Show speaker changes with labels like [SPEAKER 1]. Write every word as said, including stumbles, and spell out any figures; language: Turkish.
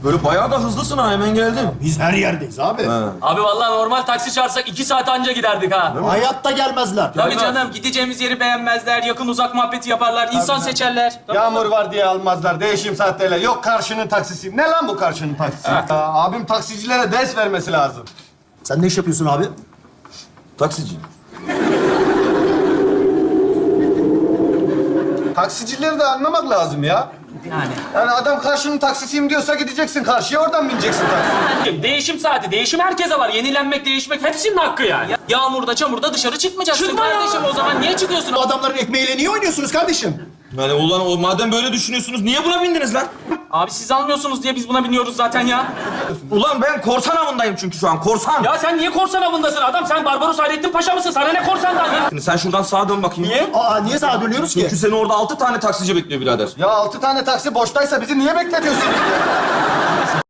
[SPEAKER 1] Böyle bayağı da hızlısın ha, hemen geldin.
[SPEAKER 2] Biz her yerdeyiz abi.
[SPEAKER 1] Ha.
[SPEAKER 3] Abi vallahi normal taksi çağırsak iki saat anca giderdik ha.
[SPEAKER 2] Hayatta gelmezler.
[SPEAKER 3] Tabii canım, gideceğimiz yeri beğenmezler, yakın uzak muhabbeti yaparlar, insan seçerler.
[SPEAKER 4] Yağmur var diye almazlar, değişim saatlerle. Yok karşının taksisi. Ne lan bu karşının taksisi? Ya, abim taksicilere ders vermesi lazım.
[SPEAKER 2] Sen ne iş yapıyorsun abi?
[SPEAKER 1] Taksici.
[SPEAKER 4] Taksicileri de anlamak lazım ya.
[SPEAKER 3] Yani.
[SPEAKER 4] Yani adam karşının taksisiyim diyorsa gideceksin karşıya, oradan bineceksin taksiye.
[SPEAKER 3] Değişim saati, değişim herkese var. Yenilenmek, değişmek hepsinin hakkı yani. Yağmurda, çamurda dışarı çıkmayacaksın
[SPEAKER 5] Çıkma ya.
[SPEAKER 3] kardeşim. O zaman niye çıkıyorsun?
[SPEAKER 2] Bu adamların ekmeğiyle niye oynuyorsunuz kardeşim?
[SPEAKER 1] Yani ulan o madem böyle düşünüyorsunuz niye buna bindiniz lan?
[SPEAKER 3] Abi siz almıyorsunuz diye biz buna biniyoruz zaten ya.
[SPEAKER 1] Ulan ben korsan avındayım çünkü şu an, korsan.
[SPEAKER 3] Ya sen niye korsan avındasın adam? Sen Barbaros Hayrettin Paşa mısın? Sana ne korsandan ya?
[SPEAKER 1] Şimdi sen şuradan sağa dön bakayım. Niye?
[SPEAKER 2] Aa niye sağa dönüyoruz ki?
[SPEAKER 1] Çünkü seni orada altı tane taksici bekliyor birader.
[SPEAKER 4] Ya altı tane taksi boştaysa bizi niye bekletiyorsun?